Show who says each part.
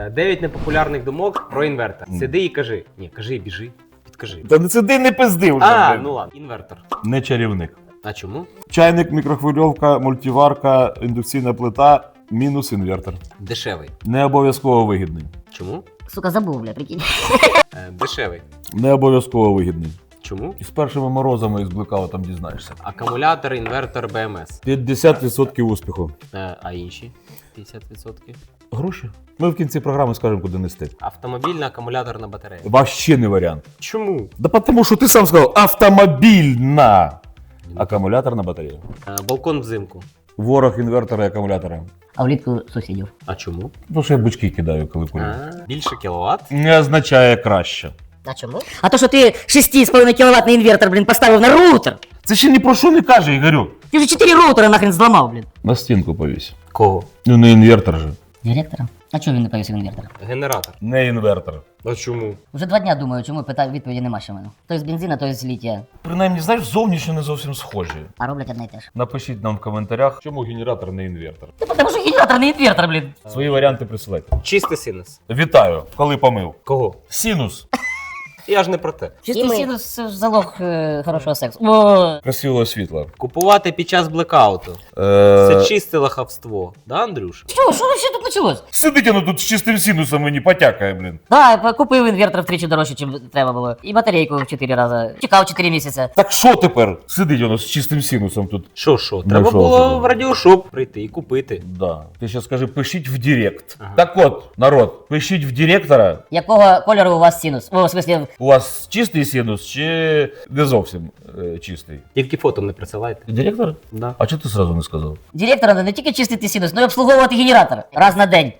Speaker 1: 9 непопулярних думок про інвертор. Сиди і кажи. Ні, кажи і біжи. Підкажи.
Speaker 2: Та не сиди, не пизди вже.
Speaker 1: А,
Speaker 2: блін.
Speaker 1: ну ладно. Інвертор.
Speaker 2: Не чарівник.
Speaker 1: А чому?
Speaker 2: Чайник, мікрохвильовка, мультиварка, індукційна плита, мінус інвертор.
Speaker 1: Дешевий.
Speaker 2: Не обов'язково вигідний.
Speaker 1: Чому?
Speaker 3: Сука, забув, бля, прикинь.
Speaker 1: Дешевий.
Speaker 2: Не обов'язково вигідний.
Speaker 1: Чому?
Speaker 2: І з першими морозами із блекаутом дізнаєшся.
Speaker 1: Акумулятор, інвертор, БМС.
Speaker 2: 50% успіху.
Speaker 1: А інші 50%?
Speaker 2: Гроші? Ми в кінці програми скажемо, куди нести.
Speaker 1: Автомобільна акумуляторна батарея.
Speaker 2: Вообще не варіант.
Speaker 1: Чому?
Speaker 2: Да тому що ти сам сказав, автомобільна акумуляторна батарея.
Speaker 1: Балкон взимку.
Speaker 2: Ворог інвертора і акумулятора.
Speaker 3: А влітку сусідів.
Speaker 1: А чому?
Speaker 2: Тому що я бучки кидаю, коли курю.
Speaker 1: Більше кіловат.
Speaker 2: Не означає краще.
Speaker 3: А чому? А то, що ти 6,5 кіловатний інвертор, блін, поставив на роутер.
Speaker 2: Це ще ні про що не каже, Ігорю.
Speaker 3: Ти вже 4 роутера нахрен зламав, блін.
Speaker 2: На стінку повісь.
Speaker 1: Кого?
Speaker 2: Ну не інвертор же.
Speaker 3: Директора? А чого він не повісив інвертора?
Speaker 1: Генератор.
Speaker 2: Не інвертор.
Speaker 1: А чому?
Speaker 3: Вже 2 дня думаю, чому питаю, відповіді нема ще в мене. То з бензина, то з літія.
Speaker 2: Принаймні, знаєш, зовнішньо не зовсім схожі.
Speaker 3: А роблять одне й те ж.
Speaker 2: Напишіть нам в коментарях, чому генератор не інвертор.
Speaker 3: Та тому що генератор не інвертор, блін.
Speaker 2: Свої варіанти присилайте.
Speaker 1: Чистий синус.
Speaker 2: Вітаю, коли помив.
Speaker 1: Кого?
Speaker 2: Синус.
Speaker 1: Я ж не про те.
Speaker 3: Чистий синус – це ж залог хорошого сексу. О,
Speaker 2: Красивого світла.
Speaker 1: Купувати під час блекауту. Це
Speaker 2: Е...
Speaker 1: чисте лахавство. Да, Андрюша?
Speaker 3: що вообще тут почалось?
Speaker 2: Сидить воно тут з чистим синусом мені потякає, блін.
Speaker 3: Да, я купив інвертор втричі дорожче, ніж треба було. І батарейку в 4 рази. Чекав 4 місяці.
Speaker 2: Так що тепер? Сидить воно з чистим синусом тут.
Speaker 1: Що? Треба
Speaker 2: що
Speaker 1: було
Speaker 2: собі?
Speaker 1: в радіошоп прийти і купити.
Speaker 2: Да. Ти ще скажи, пишіть в Директ.
Speaker 1: Ага.
Speaker 2: Так от, народ, пишіть в Директора.
Speaker 3: Якого кольору у вас синус? О, в смислі,
Speaker 2: У вас чистий синус чи не зовсім чистий?
Speaker 1: Тільки фото не присилайте.
Speaker 2: Директор?
Speaker 1: Да.
Speaker 2: А чого ти сразу не сказав?
Speaker 3: директора не тільки чистити синус, але й обслуговувати генератор раз на день.